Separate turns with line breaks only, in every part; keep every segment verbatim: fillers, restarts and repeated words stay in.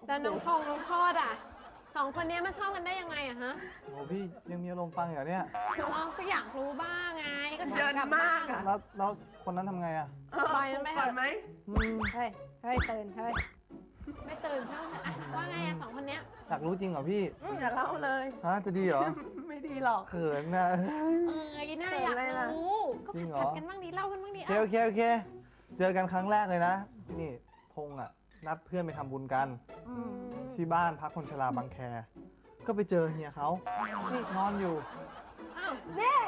แล้วน้องพงษ์น้องโชติอ่ะสองคนนี้มาชอบกันได้ยังไงอะฮะ
โอ้พี่ยังมีอารมณ์ฟังเหรอเนี่ย
อ๋อก็อยากรู้บ้างไงก็ถาม
เดิน
กลับ
มากอะ
แล้วแล้วคนนั้นทำไงอ่ะ
ปล่อยมันไปเถ
ก่อน
อะ
ไหม
อืม
เฮ้ยเฮ้ยตื่นเฮ้ยไม่ตื่นเท่าไหร่ว่าไงอะสองคนเนี้ย
อยากรู้จริงเหรอพี่
อย่าเล่าเลย
ฮะจะดีเหรอ
ไม่ดีหรอก
เขินนะ
เออยีน่าอยาก
เขินอะไรล่ะ
รู้ก็
จริงเหรอ
ผัดกันบ้างดิเล่ากันบ้างดิ
โอเคโอเคโอเค เจอกันครั้งแรกเลยนะ นี่ธงอ่ะ นัดเพื่อนไปทำบุญกัน
อืม
ที่บ้านพักคนชราบางแค ก็ไปเจอเฮียเขานี่นอนอยู่
อ้าว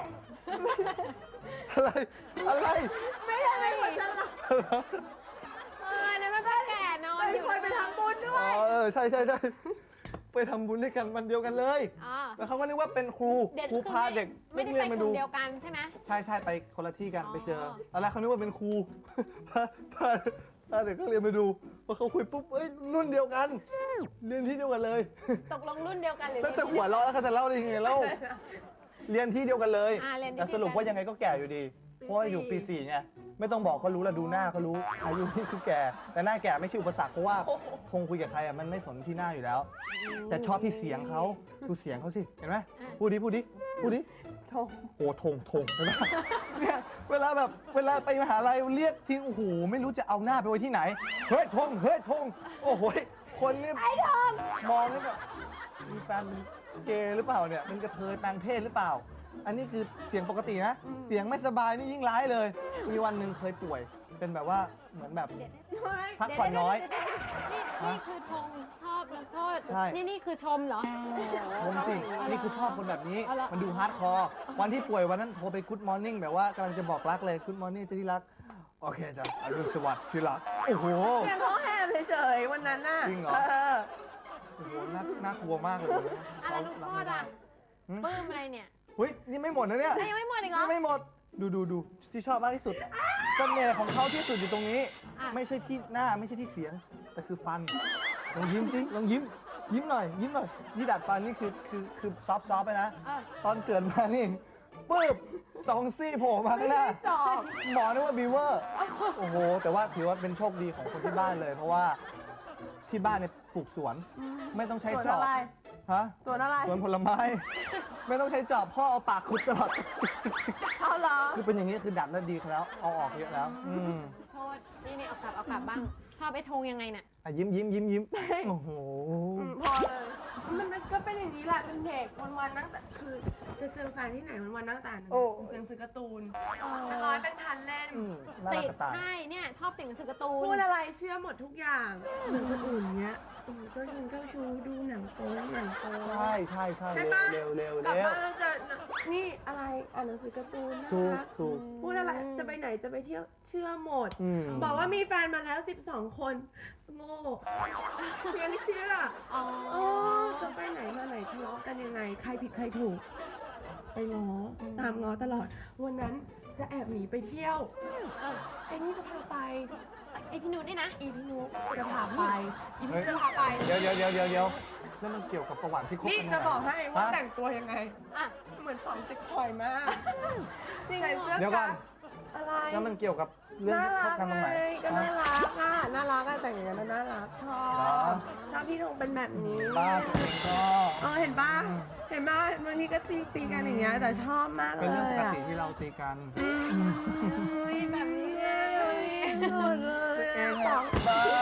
อะไร อะไร
ไม่ได้เป็นคนฉลาด
เออเนี่ยมันก็แก่นอน
เป็น
อยู่
คนไปทำบุญด้ว
อ๋อย เออใช่ใช่ใช่ไปทำบุญด้วยกันวันเดียวกันเลย
อ๋อ
แล้วเขาก็นึกว่าเป็นครู
เด็ก
ครูพาเด็ก
ไม่ได้
เรี
ไป
ยนมาก
ลุ่
ดู
มเดียวกันใช่ไหม
ใช่ใช่ไปคนละที่กัน
อ๋อ
ไปเจอตอนแรกเขานึกว่าเป็นครู พาพาพาเด็กก็เรียนมาดูพอเขาคุยปุ๊บเอ้ยรุ่นเดียวกัน เรียนที่เดียวกันเลย
ตกลงรุ่นเดียวกันหรือ
แล้วจะ
เรียนที่
หัวเราะแล้วเขาจะเล่าได้ยังไงเล่าเรียนที่เดียวกันเลย
อ่าเรียนที่
แต่สรุป
เดียวกัน
ว่ายังไงก็แก่อยู่ดี เพราะว่าอยู่ปีสี่ไงไม่ต้องบอกเขารู้แล้วดูหน้าเขารู้อายุที่คือแก่ แต่หน้าแก่ไม่ใช่อุปสรรคเพราะว่าคงคุยกับใครอ่ะมันไม่สนที่หน้าอยู่แล้ว แต่ชอบที่เสียงเขาดูเสียงเขาสิเห็นไหมพูดดิพูดดิพูดดิ
โถ
โอ้ทงทงเห็นไหมเนี่ยเวลาแบบเวลาไปมหาลัยเรียกทีโอ้โหไม่รู้จะเอาหน้าไปไว้ที่ไหนเฮ้ยทงเฮ้ยทงโอ้โหคนนี่ไอ้ทงมองนี่แบบมีแฟนเป็นเกย์หรือเปล่าเนี่ยเป็นกระเทยแปลงเพศหรือเปล่า อันนี้คือเสียงปกตินะ เสียงไม่สบายนี่ยิ่งร้ายเลย มีวันหนึ่งเคยป่วย เป็นแบบว่าเหมือนแบบ พักผ่อนน้อย
เดี๋วๆๆๆนี่นี่คือธงชอบน้องโชติ
ใช่
นี่นี่คือชมเหรอ
ผมสินี่คือชอบคนแบบนี้
เอาเหรอ
มันดูฮาร์ดคอร์ วันที่ป่วยวันนั้นโทรไปกู๊ดมอร์นิ่งแบบว่ากำลังจะบอกรักเลยกู๊ดมอร์นิ่งจะที่รัก โอเคจ้ะอรุณสวัสดิ์ที่รัก โอ้โห
เพียงเขาแหบเฉยๆวันนั้นน่ะ
จริงเหรอ
เออ
โอ้โหน่าน่ากลัวมากเลย
อะไรน้องโชติอ่ะ
หืม
ปลื้มอะไรเนี่ย
เฮ้ยนี่ไม่หมดนะเนี่ย
เอ้ยยังไม่หมดอีกเหรอ
ยังไม่หมด ดูดูดูที่ชอบมากที่สุดเสน่ห์ของเขาที่สุดอยู่ตรงนี้
อ่ะ
ไม่ใช่ที่หน้าไม่ใช่ที่เสียง แต่คือฟัน ลองยิ้มสิลองยิ้ม ยิ้มหน่อย ยิ้มหน่อยยี่ดัดฟันนี่คือคือคือซอฟต์ซอฟต์ไปนะ
เออ
ตอนเกิดมานี่ปึ๊บสองซี่โผล่มาข้างหน้า
จอบ
หมอนึกว่าบีเวอร์ โอ้โห แต่ว่าถือว่าเป็นโชคดีของคนที่บ้านเลย เพราะว่าที่บ้านเนี่ยปลูกสวน ไม่ต้องใช้
สวน
จอบ
อะไร
ฮะ
สวนอะไร
สวนผลไม้ ไม่ต้องใช้จอบพ่อเอาปากขุดตลอด
เอาเหรอ
คือเป็นอย่างนี้คือดัดแล้วดีแล้วเอาออกเยอะแล้ว อืม
โชตินี่นี่เอากลับเอากลับบ้าง ชอบไอ้ธงยังไงน่ะ
อ่ะยิ้มยิ้มยิ้มยิ้มโอ้โห
อืมพอเลย มันก็เป็นอย่างนี้แหละ เป็นเด็กวันๆนั่งแต่คือจะเจอแฟนที่ไหนวันๆนั่งแต่หนังสือการ์ตูนเป็นร้อยเป็นพันเล่ม
อืมน่ารั
ติ
ก
ด
กระต่าย
ใช่เนี่ยชอบติดหนังสือการ์ตูน
พูดอะไรเชื่อหมดทุกอย่างเหมือนคนอื่นเนี้ยโอ้โหเจ้าชิงเจ้าชู้ดูหนังโป๊หนังโป๊
ใช่ใช่ใช่
ใช่ปะ
เร็วเร็ว
กลับ
เร็ว
บ้านแล้วจะนี่อะไรอ่านหนังสือการ์ตูนนะ
ถูก
คะ
ถูก
พูดอะไรจะไปไหนจะไปเที่ยวเชื่อหมด
อืม
บอกว่ามีแฟนมาแล้วสิบสองคน โง่ยังเชื่อ
อ๋อ
โอ้จะไปไหนมาไหนทะเลาะกันยังไง ใครผิดใครถูก ไปง้อตามง้อตลอด วันนั้นจะแอบหนีไปเที่ยว
เออ
ไอ้นี่จะพาไป
ไอพี่นุชนี่นะ
อีพี่นุ๊กจะพาไปอีพี่นุ๊กจะพาไป
เดี๋ยวเดี๋ยวเดี๋ยวเดี๋ยวเดี๋ยวแล้วมันเกี่ยวกับประวัติที่คบ
นี่
กัน
จะ
ยังไง
บอกให้ว่า
ฮะ
แต่งตัวยังไง
อ่ะ
เหมือนตอนเซ็กชอยมาก
จริง
ใส่เสื้อ
เดี๋ยวก่อน
กั๊กอะไร
แล้วมันเกี่ยวกับเรื่อง
น่า
ที่ค
รับ ก
กันตรงไหน
ไงก็น่า
ฮะ
รักอ่ะน่ารักอ่ะแต่งอย่างนั้นน่ารักชอ
เหรอ
บชอบพี่ธงเป็นแบบนี้
บ้าตัวเองก็
เออเห็นป่ะ
อืม
เห็นป่ะบางทีก็ตีตีกันอย่างเงี้ยแต่ชอบมากเลย
เป็นเรื่องปก
อ่ะ
ติที่เราตีกัน
อุ้ยแบบนี้เลยหมดเลย
เอง
สอ
อะ
ง
บ้า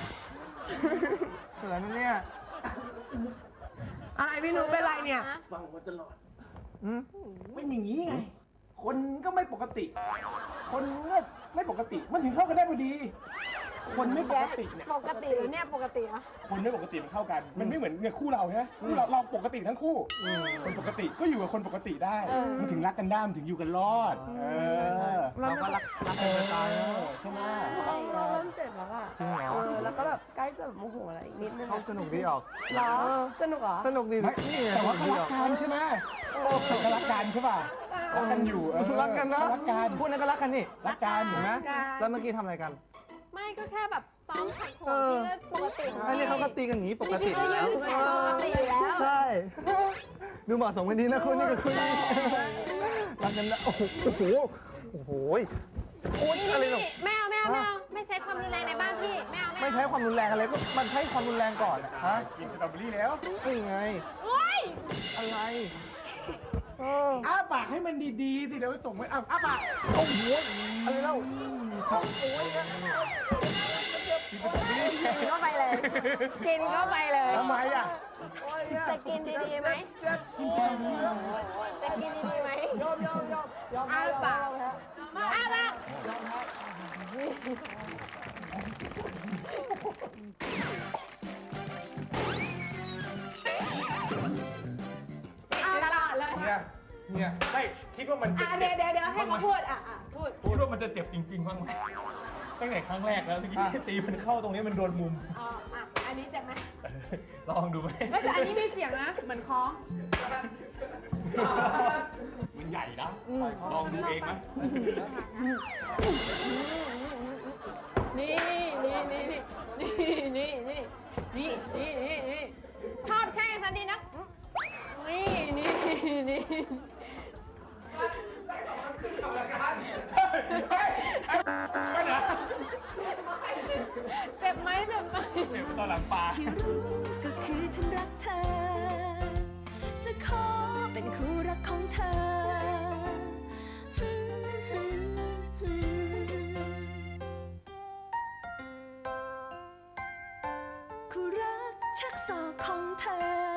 เสือนั่นเนี่ย
อะไรพี่นุ๊กเป็นไรเนี่ย
ฮะ
ฟังมาตลอด
อืม
เป็นอย่างนี้ไง คนก็ไม่ปกติ คนก็ไม่ปกติ มันถึงเข้ากันได้พอดี คนไม่ปกติเนี่ย
ปกติหรือเนี่ยปกติเหรอ
คนไม่ปกติมันเข้ากัน มันไม่เหมือนเนี่ยคู่เราใช่ไหมคู่เราเราปกติทั้งคู่ คนปกติก็อยู่กับคนปกติได้ มันถึงรักกันได้มันถึงอยู่กันรอด เอ
ใช่ใช่
อ
เราก็รักรัก
เอ
กันจะตาย
อ
นะ
ใช่ไหม
เราเริ่มเจ็บแล้วอ่ะ
จริงเหรอ
เออแล้วก็แบบใกล้จะโมโหอะไรอีกนิดนึง
เขาสนุกดีออก
เหรอสนุกเหรอ
สนุกดี
ไม่
นี่ไง
แต่ว่า
ส
เขา
นุกดี
รั
อก อก
กันใช่ไหมแต่ก็รักกันใช่ป่ะรักกันอยู่เออ
รักกันนะ
รักกัน
พูดนั้นก็รักกันนี่
รักกัน
เห็นไหม
รักกัน
แล้วเมื่อกี้ทำอะไรกัน
ไม่ก็แค่แบบซ้อมขัดโข
เอน อ
ที่ก็ปกติ
อันนี้เขาก็ตีกันอย่างนี้ปกติ
ก็
อยู่
ยื
แล้ว
นอยู่แบบปกติอยู่แล้ว
ใช่ ดูเหมาะสมกันดีนะคุณนี่กับคุณนี่รักกันนะโอ้โหโอ้โหโอ้โหโอ๊ยอะไรหรอ
แมวแมวแมวแมไม่ใช้ความรุนแรงในบ้านพี่ ไม่เอาไม่
ไม่
เอา
ใช้ความรุนแรงอะไรก็มันใช้ความรุนแรงก่อนอะฮะ
กินสตรอเบอรี่แล้ว
นี่ไง
โอ๊ย
อะไรเออ
อ้าปากให้มันดีๆสิเดี๋ยวส่งไปอ้าอ้าปาก
เอาหัวอะไรเล่าเอาโอ้ยนะ
กินสตรอเบอรี่
กินเข้าไปเลย กินเข้าไปเลย
ทำไมอ่ะ
โอ้ยอะ
จะกินดีๆไหม
เจ็บ
จะกินดีๆไหม
ยอมยอมยอมยอม
อ้าปาก
ยอมแพ้
อ้าปาก
ยอมแพ้
ตลอดเลย
เนี่ยเนี่ยไม่คิดว่ามันจะ
อ่ะ
เจ็
เดี๋ยว
บ
เดี๋ยวเดี๋ยวให้เขาพูด อ่ะอ่ะพูด
คิดว่ามันจะเจ็บจริงๆบ้างไหมตั้งแต่ครั้งแรกแล้วเมื่อกี้ตีมันเข้าตรงนี้มันโดนมุม
อ๋อ อ่ะ อันนี้เจ็บไหม
ลองดูไหม
เฮ้ยแต่อันนี้มีเสียงนะ เหมือนคล้อง
มันใหญ่นะลองดูเองไหม
นี่นี่นี่นี่นี่นี่นี่นี่นี่นี่ชอบแช่งฉันดีนะนี่นี่นี่เจ็บไหมเจ็บไหม
เจ็บตอนหลังปลา
ที่รู้ก็คือฉันรักเธอ จะขอเป็นคู่รักของเธอ คู่รักชักศอกของเธอ